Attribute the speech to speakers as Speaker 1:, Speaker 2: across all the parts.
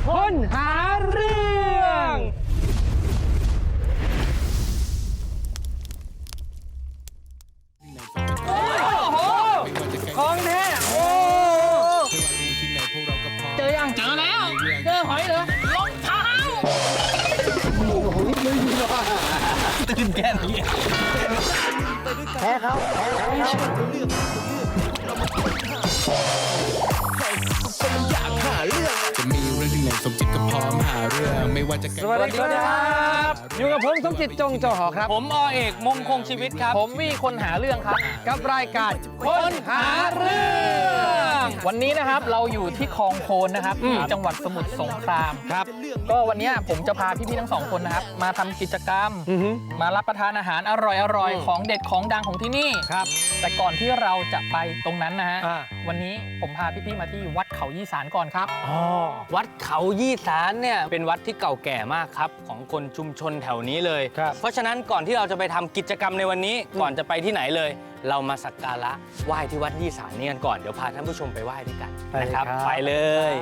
Speaker 1: คนหาเรื่องโอ้โหของแท้โอ้เจอยังเจอแล้วเจอหอยเหรอรองเท้าตื่นแก่นเลยแพ้เขา
Speaker 2: จะมีเรื่องที่ไหนสมจิตก็พร้อมหาเรื่องไม่ว่าจะส
Speaker 1: วัสดีครับอยู่กับผมสมจิตจงจอหอครับ
Speaker 3: ผมอเอกมงคงชีวิตครับ
Speaker 1: ผมวีคนหาเรื่องครับกับรายการคนหาเรื่อง
Speaker 3: วันนี้นะครับเราอยู่ที่คลองโคนนะครับจังหวัดสมุทรสงครามครับก็วันนี้ผมจะพาพี่ๆทั้งสองคนนะครับมาทำกิจกรรมมารับประทานอาหารอร่อยๆของเด็ดของดังของที่นี่ครับแต่ก่อนที่เราจะไปตรงนั้นนะฮะวันนี้ผมพาพี่ๆมาที่วัดเขายี่สานก่อนครับ
Speaker 1: วัดเขายี่สานเนี่ยเป็นวัดที่เก่าแก่มากครับของคนชุมชนแถวนี้เลยเพราะฉะนั้นก่อนที่เราจะไปทำกิจกรรมในวันนี้ก่อนจะไปที่ไหนเลย เรามาสักการะไหว้ที่วัดยี่สานนี่กันก่อนเดี๋ยวพาท่านผู้ชมไปไหว้ด้วยกันนะครับไปเลย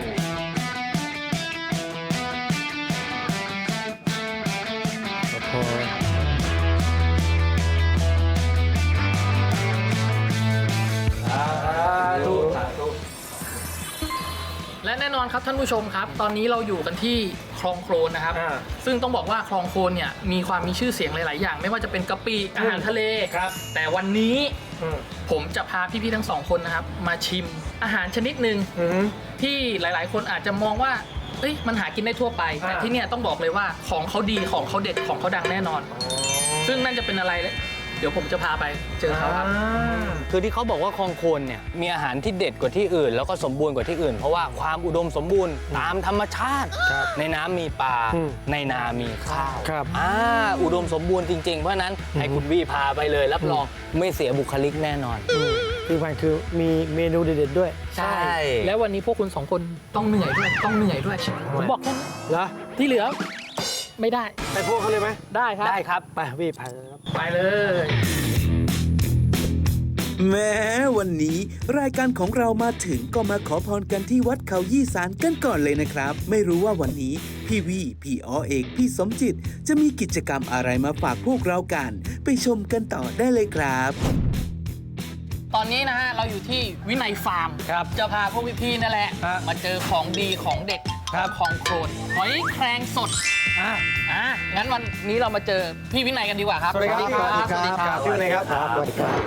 Speaker 3: และแน่นอนครับท่านผู้ชมครับตอนนี้เราอยู่กันที่คลองโคลนนะครับซึ่งต้องบอกว่าคลองโคลนเนี่ยมีชื่อเสียงหลายๆอย่างไม่ว่าจะเป็นกะปิอาหารทะเลครับแต่วันนี้ผมจะพาพี่ๆทั้งสองคนนะครับมาชิมอาหารชนิดหนึ่งที่หลายๆคนอาจจะมองว่ามันหากินได้ทั่วไปแต่ที่เนี่ยต้องบอกเลยว่าของเขาดีของเขาเด็ดของเขาดังแน่นอนซึ่งนั่นจะเป็นอะไรเดี๋ยวผมจะพาไปเจอเขาครับ
Speaker 1: คือที่เขาบอกว่าคลองโคนเนี่ยมีอาหารที่เด็ดกว่าที่อื่นแล้วก็สมบูรณ์กว่าที่อื่นเพราะว่าความอุดมสมบูรณ์ตามธรรมชาติในน้ำมีปลาในนามีข้าวอุดมสมบูรณ์จริงๆเพราะนั้นให้คุณวี่พาไปเลยรับรองไม่เสียบุคลิกแน่นอน
Speaker 4: คือมีเมนูเด็ดๆด้วย
Speaker 1: ใช่
Speaker 3: แล้ววันนี้พวกคุณสองคนต้องเหนื่อยด้วยผมบอกแค่
Speaker 4: เหรอ
Speaker 3: ที่เหลือไม่ได้
Speaker 4: ไปพวกเขาเลยไหม
Speaker 3: ได้ครับ
Speaker 4: ไปวี่
Speaker 3: ไปเลย
Speaker 5: แม้วันนี้รายการของเรามาถึงก็มาขอพรกันที่วัดเขายี่สานกันก่อนเลยนะครับไม่รู้ว่าวันนี้พี่วีพี่อเอกพี่สมจิตจะมีกิจกรรมอะไรมาฝากพวกเรากันไปชมกันต่อได้เลยครับ
Speaker 3: ตอนนี้นะฮะเราอยู่ที่วินัยฟาร์มครับจะพาพวกพี่ๆนั่นแหละมาเจอของดีของเด็ดของโคลนหอยแครงสดงั้นวันนี้เรามาเจอพี่วินัยกันดีกว่าครับ
Speaker 4: สวัสดีครับสวัสดีครับพี่วินัยครับสวัสดีครับ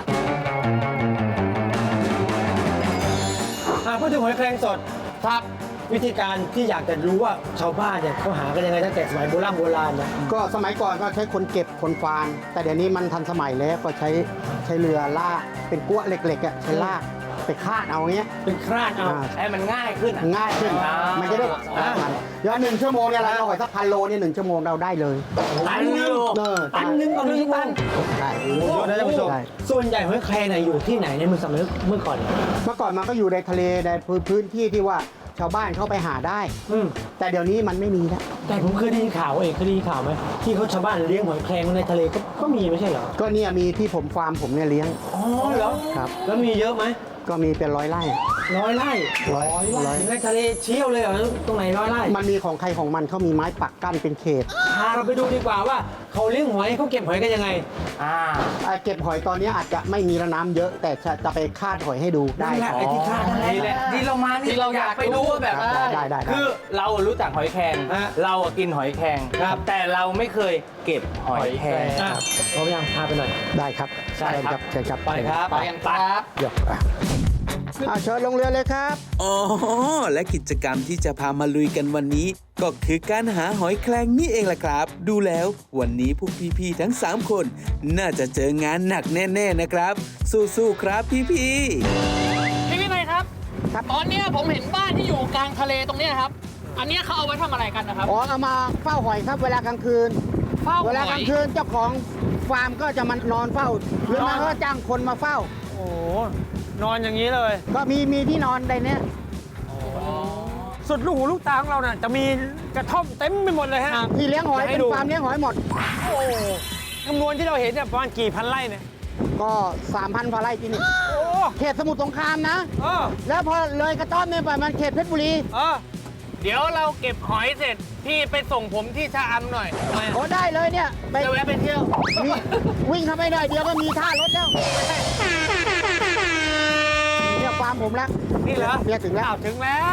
Speaker 4: พูดถึงหอยแครงสด
Speaker 3: ครับ
Speaker 4: วิธีการที่อยากจะรู้ว่าชาวบ้านเนี่ยเขาหากันยังไงตั้งแต่สมัยโบราณนะ
Speaker 6: ก็สมัยก่อนก็ใช้คนเก็บคนฟานแต่เดี๋ยวนี้มันทันสมัยแล้วก็ใช้เรือลากเป็นกั้วเหล็กๆใช้ลากไปคาดเอาเงี้ย
Speaker 4: เป็นคาดเอา
Speaker 1: ให้มันง่ายขึ้น
Speaker 6: มันจะได้มันย้อน1 ชั่วโมงเนี่ยเราหอยสัก1,000 โลเนี่ย1 ชั่วโมงเราได้เลย
Speaker 4: ตันนึงต่อ1 ชั่วโมง
Speaker 6: ใช่
Speaker 4: ท่านผู้ชมส่วนใหญ่หอยแครงอยู่ที่ไหนในเมื่อก่อน
Speaker 6: มันก็อยู่ในทะเลในพื้นที่ที่ว่าชาวบ้านเข้าไปหาได้แต่เดี๋ยวนี้มันไม่มีแล้ว
Speaker 4: แต่ผมเคยได้ยินข่าวไหมที่เขาชาวบ้านเลี้ยงหอยแครงในทะเลก็มีไม่ใช่เหรอ
Speaker 6: ก็เนี่ยมีที่ฟาร์มผมเนี่ยเลี้ยง
Speaker 4: เหรอ
Speaker 6: ครับ
Speaker 4: แล้วมีเยอะไหม
Speaker 6: ก็มีเป็น100 ไร่
Speaker 4: 100 ไร่ในทะเลเชี่ยวเลยเหรอตรงไหน100 ไร่
Speaker 6: มันมีของใครของมันเขามีไม้ปักกั้นเป็นเขต
Speaker 4: พาเราไปดูดีกว่าว่าเขาเลี้ยงหอยเขาเก็บหอยกันยังไง
Speaker 6: เก็บหอยตอนนี้อาจจะไม่มีน้ำเยอะแต่จะไปคาดหอยให้ดูได้
Speaker 4: ไอ้ที่คาด
Speaker 1: นี่แหละที่เรามาที่เราอยากไปดูว่าแบบ
Speaker 6: ได้
Speaker 1: คือเรารู้จักหอยแครงเรากินหอยแครงแต่เราไม่เคยเก็บหอยแครง
Speaker 4: เขายังพาไปหน่อย
Speaker 6: ได้ครับ
Speaker 1: ใช่ครับ
Speaker 6: เชิญครับ
Speaker 1: ไปครับไปกันครับ
Speaker 6: เชิญลงเรือเลยครับ
Speaker 5: อ๋อและกิจกรรมที่จะพามาลุยกันวันนี้ก็คือการหาหอยแครงนี่เองล่ะครับดูแล้ววันนี้พวกพี่ๆทั้ง3 คนน่าจะเจองานหนักแน่ๆนะครับสู้ๆครับพี่
Speaker 3: วินัยครับตอนนี้ผมเห็นบ้านที่อยู่กลางทะเลตรงนี้ครับอันนี้เขาเอาไว้ทำอะไรกันนะครับ
Speaker 6: เอามาเฝ้าหอยครับเวลากลางคืนเวลากลางคืนเจ้าของฟาร์มก็จะมานอนเฝ้าหรือไม่ก็จ้างคนมาเฝ้า
Speaker 4: โอ้นอนอย่างนี้เลย
Speaker 6: ก็มีที่นอนในนี้
Speaker 4: สุดลูกหูลูกตาของเราเนี่ยจะมีกระท่อมเต็มไปหมดเลยฮะ
Speaker 6: ที่เลี้ยงหอยเป็นฟาร์มเลี้ยงหอยหมด
Speaker 4: จำนวนที่เราเห็นเนี่ยประมาณกี่พันไร่เนี่ย
Speaker 6: ก็ 3,000 กว่าไร่ที่นี่เขตสมุทรสงครามนะแล้วพอเลยกระท่อมเนี่ยไปมันเขตเพชรบุรี
Speaker 1: เดี๋ยวเราเก็บหอยเสร็จ พี่ไปส่งผมที่ชะอำหน่อยทำไม
Speaker 6: โอ้ได้เลยเนี่ยไป
Speaker 1: จะแวะไปเที่ยว
Speaker 6: วิ่งเข้าไปหน่อยเดียวก็มีท่ารถแล้วเนี่ยฟาร์มผมแล้ว
Speaker 4: นี่เหรอ
Speaker 6: เนี่ยถึงแล้ว
Speaker 4: ถึงแล้ว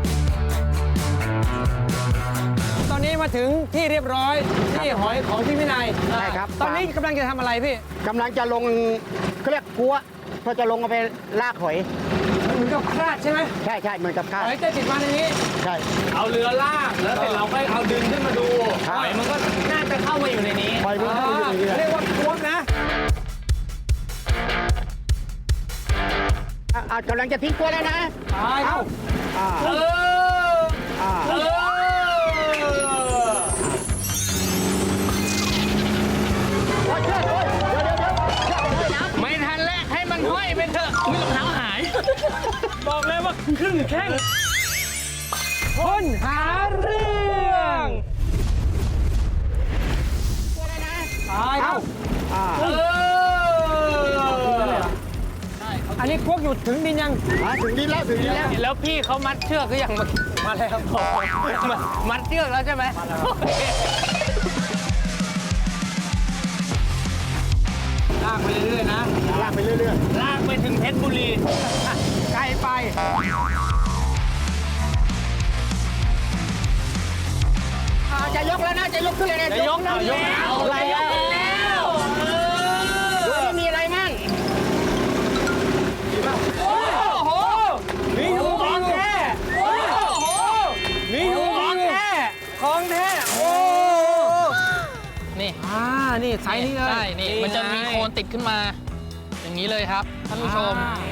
Speaker 4: ตอนนี้มาถึงที่เรียบร้อยที่หอยของพี่วินัย
Speaker 6: ใช่ครับ
Speaker 4: ตอนนี้กำลังจะทำอะไรพี่
Speaker 6: กำลังจะลงเขาเรียกกัวเพื่อจะลงเอาไปลากหอย
Speaker 4: เหมือนกับคราดใช่ไหม
Speaker 6: ใช่ใช่เหมือนกับข้าว
Speaker 4: หอยจะติดมาในนี้
Speaker 6: ใช่
Speaker 1: เอาเรือลากแล้วเสร็จเราค่อยเอาดึงขึ้นมาดู
Speaker 6: ครับ
Speaker 1: หอยมันก็น่าจะเข้ามาอยู่ในนี้
Speaker 6: หอยมันเข้าอยู่อย่างนี้
Speaker 4: เรียกว่าควงนะ
Speaker 6: กำลังจะทิ้งกัวแล้วนะ
Speaker 4: ตายแล้ว
Speaker 1: เออ
Speaker 6: อ่า
Speaker 1: เออ
Speaker 6: โอ้ยเชือกโอ้ยเดี๋ยวเชือกเลยนะ
Speaker 1: ไม่ทันแรกให้มันห้อยไปเถอะอุ๊ยรองเท้าหาย
Speaker 4: บอกเลยว่าครึ่งแข้งคนหาเรื่องตายแล้ว
Speaker 1: เออ
Speaker 4: อันนี้ควงอยู่ถึงดินยัง
Speaker 6: ถึงดินแล้วถึงดินแล้ว
Speaker 1: แล้วพี่เขามัดเชือกหรือยังมาแล้วมัดเชือกแล้วใช่ไหมลากไปเรื่อยๆนะ
Speaker 6: ลากไปเรื่อย
Speaker 1: ลากไปถึงเพชรบุรี
Speaker 4: ไกลไป
Speaker 6: ๆจะยกแล้วนะจะยกขึ้นเลยนะ
Speaker 1: จะยกแล้วอะไรแล้ว
Speaker 6: ดูนี่มีอะไรมั่ง
Speaker 1: โอ้โห
Speaker 4: มีอยู่
Speaker 1: ของแท้
Speaker 4: โอ้โหมีอยู่
Speaker 1: ของแท้
Speaker 4: ของแท้โอ้
Speaker 3: นี่
Speaker 4: นี่ไซส์นี้เลย
Speaker 3: ใช่นี่มันจะมีโคนติดขึ้นมา อย่างนี้เลยครับท่านผู้ชม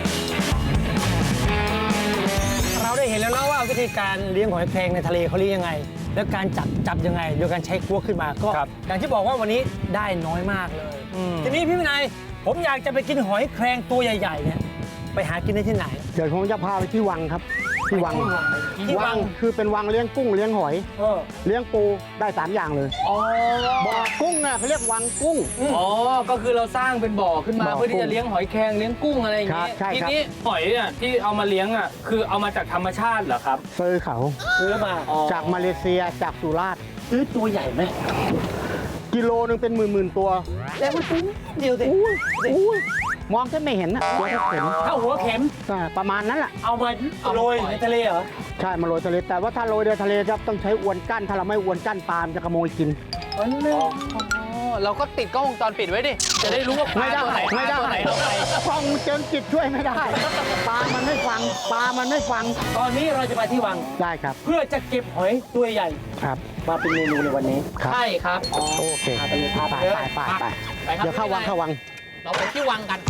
Speaker 4: เราได้เห็นแล้วนะว่าวิธีการเลี้ยงหอยแครงในทะเลเขาเลี้ยงยังไง แล้วการจับยังไงโดยการใช้กลัวขึ้นมาก็อย่างที่บอกว่าวันนี้ได้น้อยมากเลย ทีนี้พี่วินัยผมอยากจะไปกินหอยแครงตัวใหญ่ๆเนี่ยไปหากินได้ที่ไหน
Speaker 6: เดี๋ยวผมจะพาไปที่วังครับ ที่วัง
Speaker 4: ที่วัง
Speaker 6: คือเป็นวังเลี้ยงกุ้งเลี้ยงหอย เลี้ยงปูได้3อย่างเลยบ่อกุ้งน่ะเขาเรียกวังกุ้ง
Speaker 1: อ๋อ ก็คือเราสร้างเป็นบ่อขึ้นมา
Speaker 6: บ่อ
Speaker 1: เพื่อที่จะเลี้ยงหอยแครงเลี้ยงกุ้งอะไรอย่าง
Speaker 6: ครั
Speaker 1: นี้
Speaker 6: บใช่
Speaker 1: ที
Speaker 6: ครับ
Speaker 1: นี้หอยเนี่ยที่เอามาเลี้ยงอ่ะคือเอามาจากธรรมชาติเหรอครับ
Speaker 6: ซื้อเขา
Speaker 4: ซื้อมา
Speaker 6: จากมาเลเซียจากสุราษฎร์
Speaker 4: ซื้อตัวใหญ่ไหม
Speaker 6: กิโลนึงเป็นหมื่นตัว
Speaker 4: แล้วมันตัวเดียวสิ
Speaker 6: อุ้ยมองแค่ไม่เห็นนะเดี๋ยวก็เห็น
Speaker 4: เท่าหัวเข็ม
Speaker 6: ประมาณนั้นแหละ
Speaker 4: เอามาโรยในทะเลเหรอ
Speaker 6: ใช่มาโรยทะเลแต่ว่าถ้าโรยในทะเลครับต้องใช้อวนกั้นถ้าเราไม่อวนกั้นปลามันจะขโมยกิน
Speaker 1: เราก็ติดกล้องวงจรปิดไว้ดิ จะได้รู้ว่าปลา
Speaker 6: ไม่ได้
Speaker 1: ตัวไหน
Speaker 6: ไม่ได้
Speaker 1: ตัวไหนเอาไป
Speaker 6: กล้องเจิงจิตช่วยไม่ได้ ปลามันไม่ฟังปลามันไม่ฟัง
Speaker 4: ตอนนี้เราจะไปที่วัง
Speaker 6: ได้ครับ
Speaker 4: เพื่อจะเก็บหอยตัวใหญ่
Speaker 6: ครับ
Speaker 4: มาเป็นเมนูในวันนี้
Speaker 6: ครับ
Speaker 3: ใช่ครับ
Speaker 6: โอเค
Speaker 4: พาไปเลยพาไป
Speaker 6: ไป
Speaker 4: เลย
Speaker 6: ไปไป
Speaker 3: ไปครับ
Speaker 6: เดี๋ยวเข้าวังเข้าวัง
Speaker 3: เราไปที่วังกัน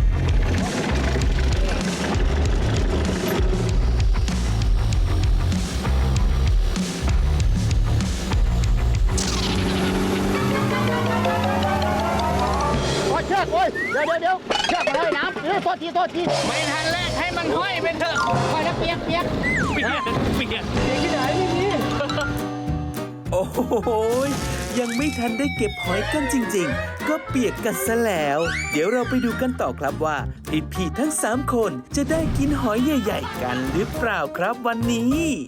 Speaker 6: โอ้ยเชือกโอ้ยเดี๋ยวเชือกมาเลยน้ำโทษที
Speaker 1: ไม่ทันแรกให้มันห้อยไปเถอะ
Speaker 6: ไปแล้วเปียก
Speaker 1: เปียก
Speaker 5: โอ้โหยยังไม่ทันได้เก็บหอยกันจริงๆ ก็เปียกกันซะแล้ว เดี๋ยวเราไปดูกันต่อครับว่าพี่ๆทั้ง 3 คนจะได้กินหอยใหญ่ๆกันหรือเปล่าครับวันนี้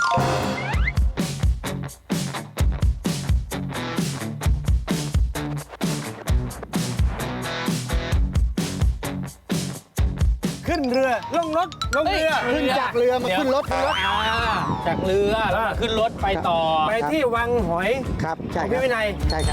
Speaker 4: ขึ้นเรือลงรถลงเรือ
Speaker 6: ขึ้นจากเรือมาขึ้นรถ
Speaker 1: จากเรือแล้วก็ขึ้นรถไปต่อ
Speaker 4: ไปที่วังหอย
Speaker 6: ครับใช่
Speaker 4: ของ
Speaker 6: ครั
Speaker 4: พี่
Speaker 6: บ
Speaker 4: วินัย
Speaker 6: ใช่ครับ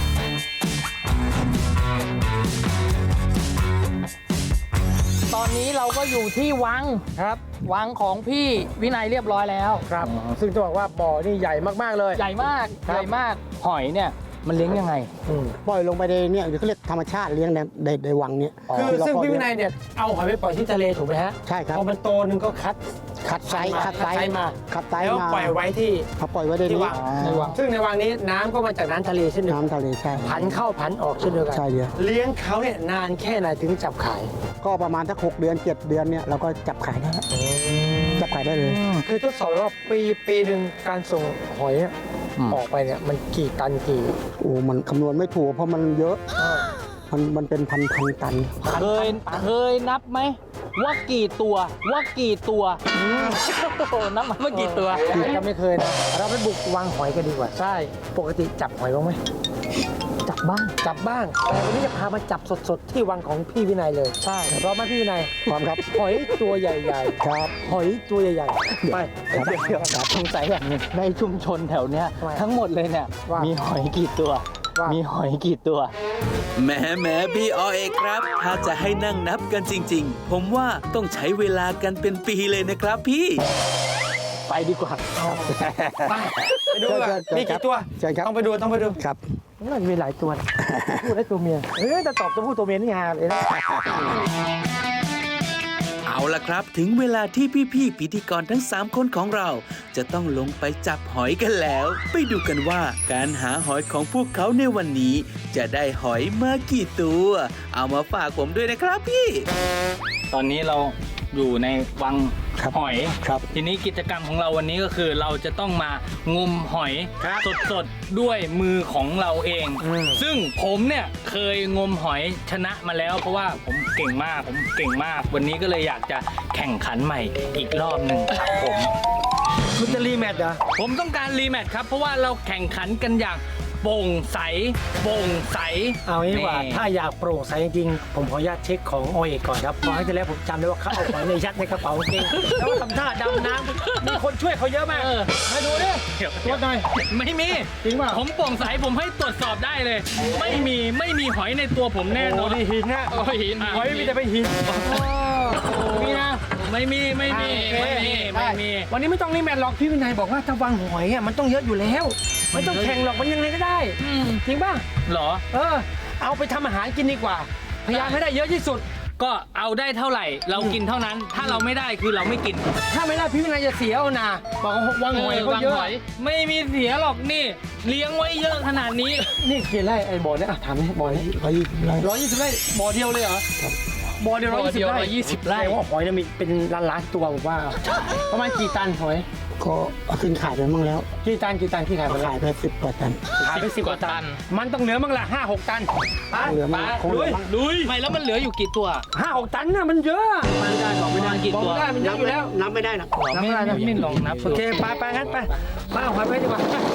Speaker 3: ตอนนี้เราก็อยู่ที่วัง
Speaker 4: ครับ
Speaker 3: วังของพี่วินัยเรียบร้อยแล้ว
Speaker 4: ครับ ซึ่งจะบอกว่าบ่อนี่ใหญ่มากๆเลย
Speaker 3: ใหญ่มาก
Speaker 4: ครับ
Speaker 3: ใหญ่มาก
Speaker 1: หอยเนี่ยมันเลี้ยงยังไง
Speaker 6: ปล่อยลงไปในเนี่ยเขาเรียกธรรมชาติเลี้ยงในวังเนี่ย
Speaker 4: คือ
Speaker 6: ที่เรา
Speaker 4: ซึ่ง
Speaker 6: ปล่อย
Speaker 4: พี่วินัยเนี่ยเอาหอยไปปล่อยที่ทะเลถูกไหมฮะ
Speaker 6: ใช่ครับ
Speaker 4: พอมันโตนึงก็คัด
Speaker 6: ขัดไซส์
Speaker 4: มา
Speaker 6: ขัดไซส์
Speaker 4: แล้ว
Speaker 6: มา
Speaker 4: ปล่อยไว้ที่
Speaker 6: เขาปล่อยไว้ใน
Speaker 4: ที่
Speaker 6: นี้
Speaker 4: วังในวังซึ่งในวังนี้น้ำก็มาจากน้ำทะเลเช่นเดียวกัน
Speaker 6: น้ำทะเลใช่
Speaker 4: ผันเข้าผันออกเช่นเดียวกัน
Speaker 6: ใช่เดียว
Speaker 4: เลี้ยงเขาเนี่ยนานแค่ไหนถึงจับขาย
Speaker 6: ก็ประมาณสัก6 เดือน 7 เดือนเนี่ยเราก็จับขายได้แล้วจับขายได้เลย
Speaker 4: คือทดสอบว่าปีหนึ่งการส่งหอยอะออกไปเนี่ยมันกี่ตันกี่
Speaker 6: โอ้มันคำนวณไม่ถูกเพราะมันเยอะมันเป็นพันตัน
Speaker 3: เคยนับไหม
Speaker 1: ว่ากี่ตัวนับมาว่ากี่ตัว
Speaker 4: จะไม่เคยนะ เราไปบุกวางหอยกันดีกว่า ใช่ ปกติจับหอยบ้างไหมจับบ้าง แต่วันนี้จะพามาจับสดๆ ที่วังของพี่วินัยเลย ใช่พร้อมไหมพี่วินัย
Speaker 6: พร้อมครับ
Speaker 4: หอยตัวใหญ่ๆ ครับ หอยตัวใหญ่ๆ ไป
Speaker 1: เดี๋ยวสงสัยแบบนี้ในชุมชนแถวเนี้ย
Speaker 4: ทำไม
Speaker 1: ทั้งหมดเลยเนี่ย
Speaker 4: ว่ามี
Speaker 1: มีหอยกี่ตัว
Speaker 4: ว่ามี
Speaker 1: มีหอยกี่ตัว
Speaker 5: แหมพี่อเอกครับ ถ้าจะให้นั่งนับกันจริง ๆ ผมว่าต้องใช้เวลากันเป็นปีเลยนะครับพี่
Speaker 1: ไปดีกว่า
Speaker 4: ไปดูว่ามีกี่ตัว
Speaker 6: ใช่ครับ
Speaker 4: ต้องไปดู
Speaker 6: ครับ
Speaker 4: น่าจะมีหลายตัวนะพูดได้ตัวเมียแต่ตอบตัวผู้ตัวเมียนี่ฮาเลยนะ
Speaker 5: เอาล่ะครับ ถึงเวลาที่พี่ๆพิธีกรทั้ง 3 คนของเรา จะต้องลงไปจับหอยกันแล้ว ไปดูกันว่าการหาหอยของพวกเขาในวันนี้ จะได้หอยมากี่ตัว เอามาฝากผมด้วยนะครับพี่
Speaker 1: ตอนนี้เราอยู่ในวัง
Speaker 6: ครับ
Speaker 1: หอย
Speaker 6: ครับ
Speaker 1: ทีนี้กิจกรรมของเราวันนี้ก็คือเราจะต้องมางมหอยสดๆด้วยมือของเราเอง ซึ่งผมเนี่ยเคยงมหอยชนะมาแล้ว เพราะว่าผมเก่งมาก วันนี้ก็เลยอยากจะแข่งขันใหม่อีกรอบหนึ่งครับผม
Speaker 4: คุณจะรีแมตช์เหรอ
Speaker 1: ผมต้องการรีแมตช์ครับ เพราะว่าเราแข่งขันกันอย่างโปร่งใส
Speaker 4: เอางี้ดีกว่า
Speaker 1: นี่
Speaker 4: ถ้าอยากโปร่งใสจริงๆ ผมขออนุญาตเช็คของโอเอกก่อนครับเพราะให้ที่แล้วผมจำได้ว่าเขาเอาของในยัดในกระเป๋ากางเกงแล้วก็ทำท่าดำน้ำมีคนช่วยเขาเยอะมากมาดูดิ
Speaker 1: เดี๋ยว
Speaker 4: ตรวจหน่อย
Speaker 1: ไม่มี
Speaker 4: จริงเปล่า
Speaker 1: ผมโปร่งใสผมให้ตรวจสอบได้เลย ไม่มีหอยในตัวผมแน่นอน
Speaker 4: โอ้นี่หินนะ
Speaker 1: โอ้หิน
Speaker 4: หอยมีแต่ไปหินมีนะ
Speaker 1: ไม่มี
Speaker 4: วันนี้ไม่ต้องรีแมตช์หรอกพี่วินัยบอกว่าถ้าวางหอยอ่ะมันต้องเยอะอยู่แล้วไม่ต้องแข่งหรอกมันยังไงก็ได้จริงป่ะ
Speaker 1: เหรอ
Speaker 4: เอาไปทำอาหารกินดีกว่า พยายามให้ได้เยอะที่สุด
Speaker 1: ก็เอาได้เท่าไหร่ เรากินเท่านั้น ถ้าเราไม่ได้คือเราไม่กิน
Speaker 4: ถ้าไม่ได้พี่วินัยจะเสียเอานะบอกว่าวางหอยเขาเยอะ
Speaker 1: วางหไม่มีเสียหรอกนี่ เลี้ยงไว้เยอะขนาดนี้
Speaker 4: นี่กี่ไร่ไอ้บ่อเนี่ยถามนี่บ่อนี้120 ไร่บ่อเดียวเลยเหรอบ่อเดียว
Speaker 1: บ่อเดียว
Speaker 4: 120
Speaker 1: 120ไร่
Speaker 4: แสดงว่าหอยเนี่ยมีเป็นล้านๆตัวผมว่าประมาณกี่ตันหอย
Speaker 6: ก็เอาขึ้นขายไปมั่งแล้ว
Speaker 4: กี่ตันที่ขายไป
Speaker 6: ก็
Speaker 4: แล้ว
Speaker 6: ขายไป10 กว่าตัน
Speaker 4: ขายไป10 กว่าตัน มันต้องเหลือมั่งละ5-6 ตัน
Speaker 6: เหลือมั่งคงเหลือมั่ง
Speaker 1: ลุยไม่แล้วมันเหลืออยู่กี่ตัว
Speaker 4: 5-6 ตันน่ะมันเยอะ
Speaker 1: ไม่ได้บอกไม่ได้กี่
Speaker 4: บอก
Speaker 1: ตัว
Speaker 4: ไม่ได้มันเยอะอยู่แล้ว
Speaker 6: นับไม่ได้นะ
Speaker 4: นับไม่ได้นะ
Speaker 1: ไม่ลองนับ
Speaker 4: โอเคไปงั้นไปเอาหอยไปดีกว่า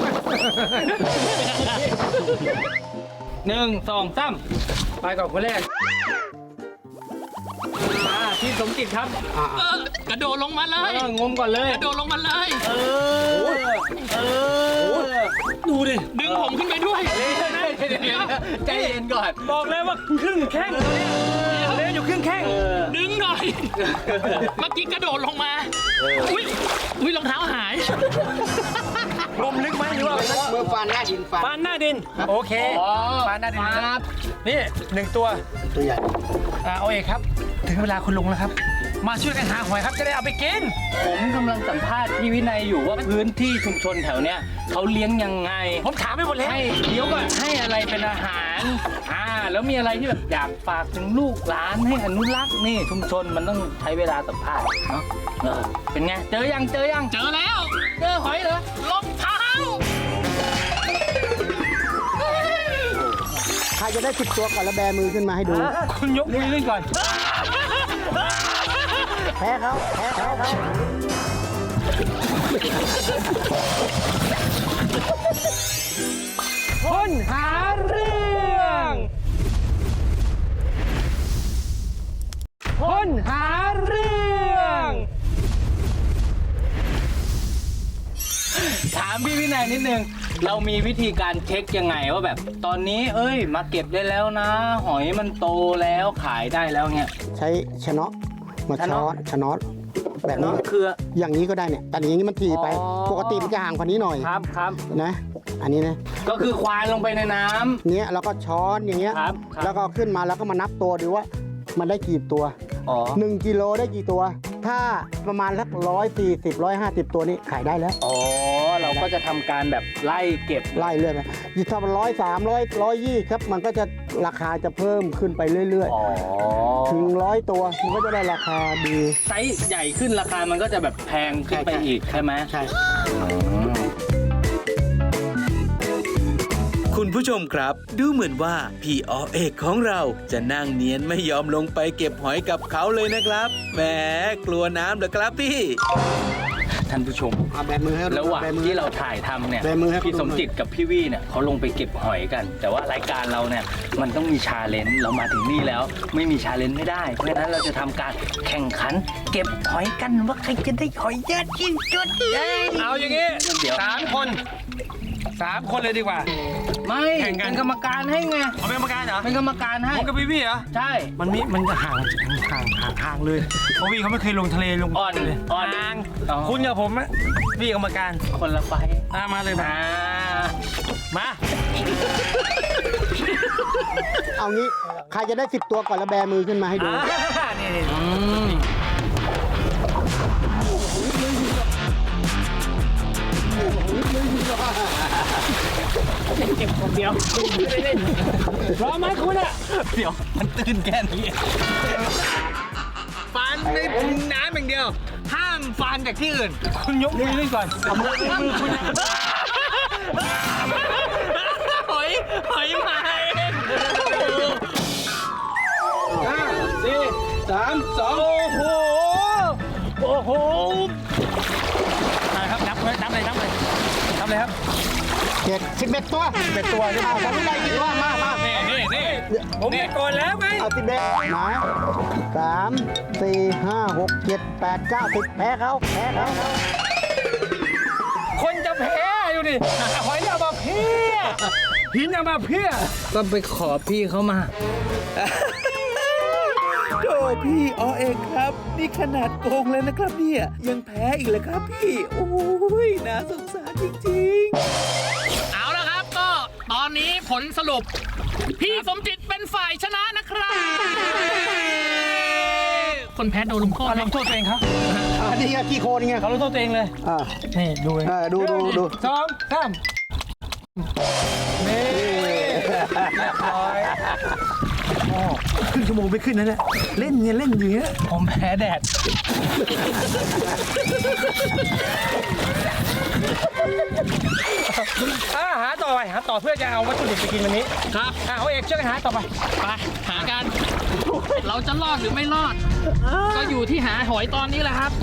Speaker 1: 1 2 3
Speaker 4: ไปก่อนคนแรก
Speaker 1: พี่สมจิตครับ
Speaker 3: กระโดดลงมาเลย
Speaker 1: งมก่อนเลย
Speaker 3: กระโดดลงมาเลย
Speaker 1: ดูดิ
Speaker 3: ดึงผมขึ้นไปด้วย
Speaker 1: ใจเย็นก่อน
Speaker 4: บอกเลยว่าครึ่งแข้งเล่นอยู่ครึ่งแข้ง
Speaker 3: ดึงหน่อย เมื่อกี้กระโดดลงมา อุ้ยรองเท้าหาย
Speaker 4: ลมลึกไหมหรือว่า
Speaker 6: มือฟานหน้าดินฟาน
Speaker 4: ฟานหน้าดิน โอเคฟานหน้าดินครับนี่1 ตัว
Speaker 6: ตัวใหญ่
Speaker 4: เอาเอกครับ ถึงเวลาคุณลุงแล้วครับ มาช่วยกันหาหอยครับจะได้เอาไปกิน
Speaker 1: ผมกำลังสัมภาษณ์พี่วินัยอยู่ว่าพื้นที่ชุมชนแถวเนี้ยเขาเลี้ยงยังไง
Speaker 4: ผมถามไปหมดแล้ว
Speaker 1: ให้เดี๋ยวก่อนให้อะไรเป็นอาหารแล้วมีอะไรที่แบบอยากฝากถึงลูกหลานให้อนุรักษ์นี่ชุมชนมันต้องใช้เวลาสัมภาษณ์เนาะเป็นไงเจอยัง
Speaker 3: เจอแล้ว
Speaker 1: เจอหอยเหรอ
Speaker 3: รองเท้า
Speaker 6: ใครจะได้10 ตัวก่อนแล้วแบมือขึ้นมาให้ดู
Speaker 4: คุณยกมือขึ้นก่อน
Speaker 6: แพ้เขา
Speaker 4: คนหาเรื่องคนหาเรื่อง
Speaker 1: ถามพี่วินัยนิดนึง เรามีวิธีการเช็คยังไงว่าแบบตอนนี้มาเก็บได้แล้วนะ หอยมันโตแล้วขายได้แล้วเนี่ย
Speaker 6: ใช้ชะเนาะมาช้อนชะเนาะแบบนี้
Speaker 1: คือ
Speaker 6: อย่างนี้ก็ได้เนี่ย แต่อย่างนี้มันถี่ไป ปกติมันจะห่างกว่านี้หน่อย
Speaker 1: ครับ
Speaker 6: นะ อันนี้นะ
Speaker 1: ก็คือควานลงไปในน้ำ
Speaker 6: เนี้ยแล้วก็ช้อนอย่างเงี้ย
Speaker 1: ครับ
Speaker 6: แล้วก็ขึ้นมาแล้วก็มานับตัวดูว่ามันได้กี่ตัว
Speaker 1: อ๋อ
Speaker 6: 1 กิโลได้กี่ตัว ถ้าประมาณสัก150 ตัวนี่ขายได้แล้ว
Speaker 1: อ๋อ เราก็จะทำการแบบไล่เก็บ
Speaker 6: ไล่เรื่อยไปถ้ามัน130 120ครับ มันก็จะราคาจะเพิ่มขึ้นไปเรื่อย
Speaker 1: อ๋อ
Speaker 6: ๆ ถึง100 ตัวมันก็จะได้ราคาดี
Speaker 1: ไซส์ใหญ่ขึ้นราคามันก็จะแบบแพงขึ้นไปอีกใช่ไหม
Speaker 6: ใช่
Speaker 5: คุณผู้ชมครับ ดูเหมือนว่าพี่อเอกของเราจะนั่งเนียนไม่ยอมลงไปเก็บหอยกับเขาเลยนะครับแหมกลัวน้ำเหรอครับพี่
Speaker 1: ท่านผู้ชม
Speaker 6: เอาแบมือให้
Speaker 1: ระหว่าง
Speaker 6: แบมือ
Speaker 1: ที่เราถ่ายทำเนี่ย
Speaker 6: แบมือให้
Speaker 1: พี่สมจิตกับพี่วี่เนี่ยเขาลงไปเก็บหอยกัน แต่ว่ารายการเราเนี่ยมันต้องมีชาเลนจ์เรามาถึงนี่แล้ว ไม่มีชาเลนจ์ไม่ได้ เพราะฉะนั้นเราจะทำการแข่งขัน เก็บหอยกันว่าใครจะได้หอยเยอะที่สุด
Speaker 4: เอาอย่างงี้
Speaker 1: เดี๋ยว
Speaker 4: 3 คนเลยดีกว่า
Speaker 1: ไม่
Speaker 4: แข่งกัน
Speaker 1: เป็นกรรมการให้ไง
Speaker 4: เอาเป็นกรรมการเหรอ
Speaker 1: เป็นกรรมการให้
Speaker 4: ผมกับพี่เหรอ
Speaker 1: ใช่
Speaker 4: มันจะห่างเลยเพราะพี่เขาไม่เคยลงทะเลลง
Speaker 1: อ่อน
Speaker 4: เลย
Speaker 1: อ่อน
Speaker 4: ห่าง
Speaker 1: อ๋อ
Speaker 4: คุณกับผมอะพี่กรรมการ
Speaker 1: คนละไฟ
Speaker 4: มาเลยมามา
Speaker 6: เอางี้ใครจะได้10ตัวก่อนแล้วแบมือขึ้นมาให้ดู
Speaker 4: นี่
Speaker 1: อืม
Speaker 4: เก็บคนเดียวไม่ได้เล่นพร้อมไหมคุณอะ
Speaker 1: เดี๋ยวมันตื่นแค่นี้
Speaker 4: ฟันในน้ำอย่างเดียว ห้ามฟันจากที่อื่น คุณยกมือขึ้นก่อนเอามือคุณ
Speaker 1: หอยมาเอง
Speaker 4: 4 3 2 โอ้โหครับนับเลยครับ
Speaker 6: 11 ตัว
Speaker 4: 11 ตัวใช่ไหม
Speaker 6: เอาผมได้กี่ตัวมา
Speaker 4: นี่ผมได้ก่อนแล้วไง
Speaker 6: เอา11มา3 4 5 6 7 8 9 10แพ้เขา
Speaker 4: คนจะแพ้อยู่ดิหอยเอามาเพี้ยหินเอามาเพี้ย
Speaker 1: ก็ไปขอพี่เขามา
Speaker 5: โธ่พี่อเอกครับ นี่ขนาดโกงเลยนะครับเนี่ยยังแพ้อีกเลยครับพี่ โอ้ยน่าสงสารจริงๆ
Speaker 3: เอาละครับก็ตอนนี้ผลสรุป พี่สมจิตเป็นฝ่ายชนะนะครับ คนแพ้โดนลงโทษไหม
Speaker 4: ลงโทษตัวเองครับ
Speaker 6: อันนี้กี่โคนไง
Speaker 4: เขาลงโทษตัวเองเลย
Speaker 6: อ่า
Speaker 4: นี่ดูเลย
Speaker 6: ดู
Speaker 4: 2 3นี่เรียบร้อยครึ่งชั่วโมงไม่ขึ้นนะเนี่ยเล่นอยู่อย่างเงี้ย
Speaker 1: ผมแพ้แดด
Speaker 4: หาต่อเพื่อจะเอาวัตถุดิบไปกินวันนี้
Speaker 3: ครับ
Speaker 4: เอาเอกช่วยกันหาต่อไป
Speaker 3: ไปหากัน เราจะรอดหรือไม่รอด ก็อยู่ที่หาหอยตอนนี้แหละครับ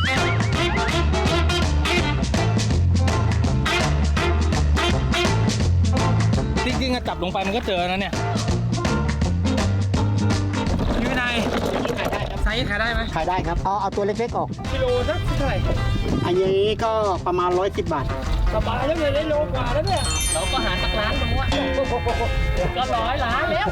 Speaker 1: จริงๆอะจับลงไปมันก็เจอนะเนี่ย
Speaker 4: พี่วินัยไซส์ขายได้ไหม
Speaker 6: ขายได้ครับ เอาตัวเล็กๆออก
Speaker 4: กิโลสักเท่าไหร่
Speaker 6: อันนี้ก็ประมาณ110 บาท
Speaker 4: สบายแล้วเลยได้โลกว่าแล้วเนี่ย
Speaker 3: เราก็หาสักล้านตรงว่าก็100 ล้านแล้ว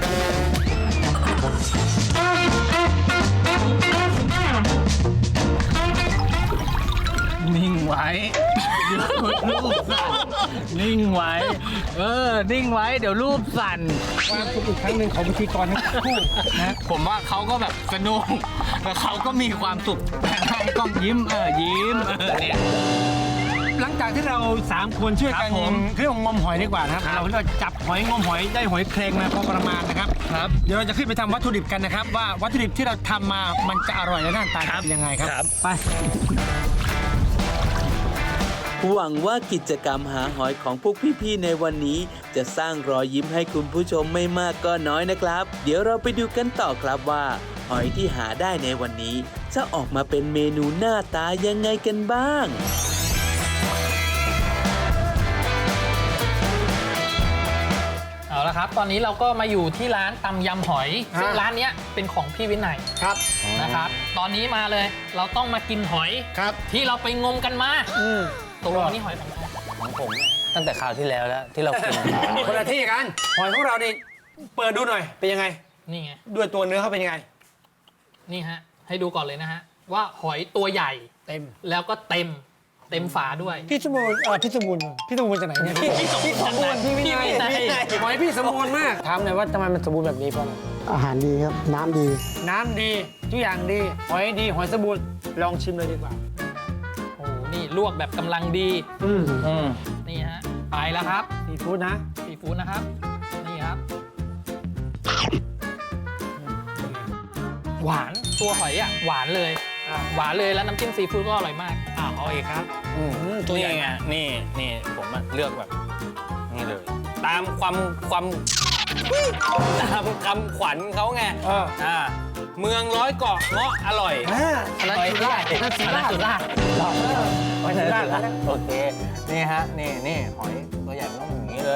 Speaker 1: นิ่งไว้เดี๋ยวรูปสั่นนิ่งไว้ นิ่งไว้เดี๋ยวรูปสั่น
Speaker 4: ความสุขอีกครั้งหนึ่งของพิธีกรทั้งคู่นะ
Speaker 1: ผมว่าเขาก็แบบสนุกแล้วเขาก็มีความสุขแต่ให้กล้องยิ้มยิ้มเนี่ย
Speaker 4: หลังจากที่เรา3คนช่วยกัน
Speaker 1: ครับผม
Speaker 4: เครื่องงมหอยดีกว่านะครับเราจับหอยงมหอยได้หอยแครงมาพอประมาณนะครับ
Speaker 1: ครับ
Speaker 4: เดี๋ยวเราจะขึ้นไปทำวัตถุดิบกันนะครับ ว่าวัตถุดิบที่เราทำมามันจะอร่อยและหน้าตาเป็นยังไงครับ
Speaker 1: ครับ
Speaker 4: ไป
Speaker 5: หวังว่ากิจกรรมหาหอยของพวกพี่ๆในวันนี้ จะสร้างรอยยิ้มให้คุณผู้ชมไม่มากก็น้อยนะครับ เดี๋ยวเราไปดูกันต่อครับว่า หอยที่หาได้ในวันนี้ จะออกมาเป็นเมนูหน้าตายังไงกันบ้าง
Speaker 3: เอาละครับ ตอนนี้เราก็มาอยู่ที่ร้านตำยำหอย ซึ่งร้านเนี้ยเป็นของพี่วินัย
Speaker 6: ครับ
Speaker 3: นะครับ ตอนนี้มาเลย เราต้องมากินหอย
Speaker 6: ครับ
Speaker 3: ที่เราไปงมกันมาตกลงนี่หอยของใคร
Speaker 1: ของผมเนี่ยตั้งแต่คราวที่แล้วที่เรากิน
Speaker 4: คนละที่กันหอยของเรานี่เปิดดูหน่อยเป็นยังไง
Speaker 3: นี่ไง
Speaker 4: ด้วยตัวเนื้อเขาเป็นยังไง
Speaker 3: นี่ฮะ ให้ดูก่อนเลยนะฮะ ว่าหอยตัวใหญ่
Speaker 4: เต็ม
Speaker 3: แล้วก็เต็มฝาด้วย
Speaker 4: พี่สมบูรณ์พี่สมบูรณ์จากไหนเนี่ยพี่สมบูรณ์พี่วินัย
Speaker 3: พี่วินัย
Speaker 4: หอยพี่สมบูรณ์มากถามหน่อยว่าทำไมมันสมบูรณ์แบบนี้เพราะอะไร
Speaker 6: อาหารดีครับ น้ำดี
Speaker 4: น้ำดีทุกอย่างดีหอยดีหอยสมบูรณ์ลองชิมเลยดีกว่า
Speaker 3: โอ้โหนี่ลวกแบบกำลังดี นี่ฮะ ไปแล้วครับ
Speaker 4: ซีฟู้ดนะ
Speaker 3: ซีฟู้ดนะครับ นี่ครับ หวาน ตัวหอยอ่ะ หวานเลย หวานเลยแล้วน้ำจิ้มซีฟู้ดก็อร่อยมาก
Speaker 1: เอาเองครับ
Speaker 4: ตัวใหญ่
Speaker 1: นี่ไงนี่ผมอะเลือกแบบนี่เลยตามความตามคำขวัญเขาไงเมืองร้อยเกาะเงาะอร่อย
Speaker 4: อันนั้นสุราษฎร์อันนั้นสุราษฎร์สุราษฎร์ไปสุราษฎร์แล้ว
Speaker 1: โอเคนี่ฮะนี่หอยตัวใหญ่มันต้องอย่างนี้เลย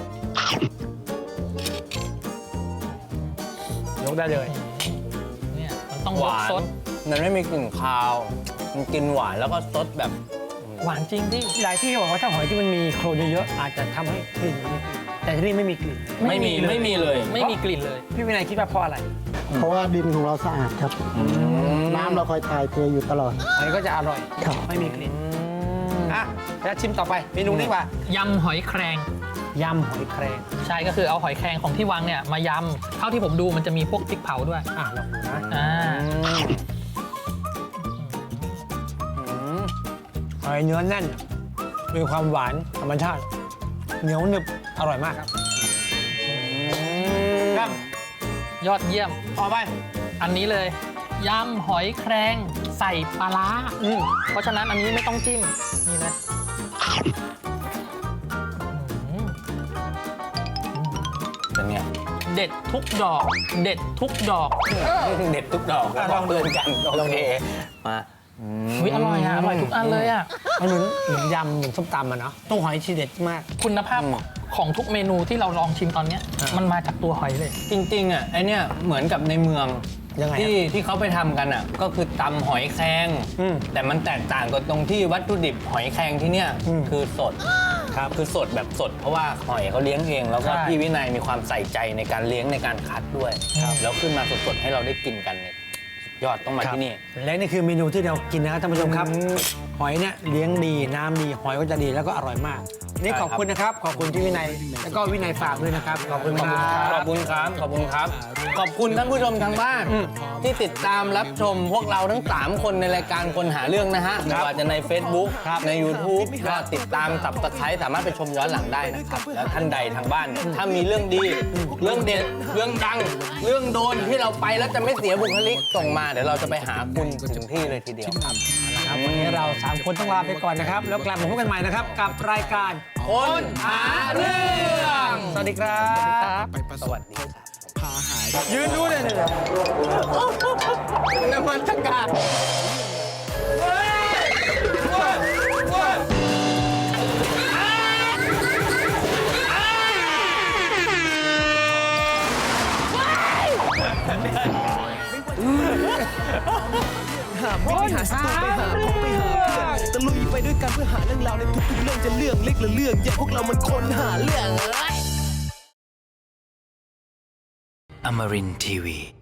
Speaker 4: ยกได้เลย
Speaker 3: เนี่ยมันต้อง
Speaker 1: หวาน
Speaker 3: ซด
Speaker 1: มันไม่มีกลิ่นคาว มันกินหวานแล้วก็ซดแบบ
Speaker 3: หวานจริงดิ
Speaker 4: หลายที่เขาบอกว่าถ้าหอยที่มันมีโคลนเยอะๆอาจจะทำให้กลิ่นมันไม่ขึ้นแต่ที่นี่ไม่มีกลิ่น
Speaker 1: ไม่มีเลย
Speaker 3: ไม่มีกลิ่นเลย
Speaker 4: พี่วินัยคิดว่าเพราะอะไร
Speaker 6: เพราะว่าดินของเราสะอาดครับ น้ำเราคอยถ่ายเทอยู่ตลอด
Speaker 4: หอยก็จะอร่อย
Speaker 6: ครับ
Speaker 4: ไม่มีกลิ่นอ่ะแล้วชิมต่อไปเมนูนี้ว่าย
Speaker 3: ำหอยแครง
Speaker 4: ยำหอยแครง
Speaker 3: ใช่ก็คือเอาหอยแครงของที่วังเนี่ยมายำเท่าที่ผมดูมันจะมีพวกพริกเผาด้วย
Speaker 4: ลองดูนะ
Speaker 3: อ่า
Speaker 4: หอยเนื้อแน่น มีความหวานธรรมชาติ เหนียวหนึบอร่อยมากครับครับ
Speaker 3: ยอดเยี่ยม
Speaker 4: ต่อไป
Speaker 3: อันนี้เลยยำหอยแครงใส่ปลาร้าเพราะฉะนั้นอันนี้ไม่ต้องจิ้มนี่เลย
Speaker 1: เป็นไง
Speaker 3: เด็ดทุกดอก เด็ดทุกดอก
Speaker 1: เด็ดทุกดอกแล้วก็เพื่อนกันโอเคมา
Speaker 3: อุ๊ยอร่อยอ่ะอร่อยทุกอันเลยอ่ะ
Speaker 4: มันเหมือนยำเหมือนส้มตำอะเนาะต้องหอยทีเด็ดมาก
Speaker 3: คุณภาพของทุกเมนูที่เราลองชิมตอนเนี้ยมันมาจากตัวหอยเลย
Speaker 1: จริงๆอ่ะไอเนี้ยเหมือนกับในเมือง
Speaker 4: ยังไงครับ
Speaker 1: ที่เขาไปทำกันอ่ะก็คือตำหอยแครง แต่มันแตกต่างกันตรงที่วัตถุดิบหอยแครงที่เนี้ยคือสดครับคือสดแบบสด เพราะว่าหอยเขาเลี้ยงเอง แล้วก็
Speaker 3: ใช่
Speaker 1: พี่วินัยมีความใส่ใจในการเลี้ยงในการคัดด้วยแล้วขึ้นมาสดๆให้เราได้กินกันเนี่ยสุดยอดต้องมาที่นี่
Speaker 4: และนี่คือเมนูที่เรากินนะครับท่านผู้ชมครับ หอยเนี่ยเลี้ยงดีน้ำดีหอยก็จะดีแล้วก็อร่อยมาก นี่ขอบคุณนะครับ ขอบคุณที่วินัยแล้วก็วินัยฝากด้วยนะครับ ขอบคุณครับ
Speaker 1: ขอบคุณครับ ขอบคุณครับ ขอบคุณท่านผู้ชมทางบ้าน ที่ติดตามรับชมพวกเราทั้ง 3 คนในรายการคนหาเรื่องนะฮะไม่ว่าจะใน Facebook ใน YouTube ก็ติดตามสับสไครต์สามารถไปชมย้อนหลังได้นะครับ แล้วท่านใดทางบ้านเนี่ยถ้ามีเรื่องดี เรื่องเด็ด เรื่องดัง เรื่องโดนที่เราไปแล้วจะไม่เสียบุคลิกส่งมาเดี๋ยวเราจะไปหาคุณถึงที่เลยทีเดียวครับ
Speaker 4: ครับวันนี้เรา 3 คนต้องลาไปก่อนนะครับ แล้วกลับมาพบกันใหม่นะครับ กับรายการ
Speaker 1: คนหาเรื่อง
Speaker 4: สวัสดีครับ
Speaker 1: สวัสดีครับ
Speaker 4: ยืนดูเลยเนี่ย
Speaker 1: นวัตกรรม
Speaker 7: ไม่ไปหาสตูไปหาพบไปหาเพื่อนตะลุยไปด้วยกันเพื่อหาเรื่องราวในทุกๆเรื่องจะเรื่องเล็กหรือเรื่องใหญ่พวกเรามันคนหาเรื่อง
Speaker 8: Amarin Tiwi.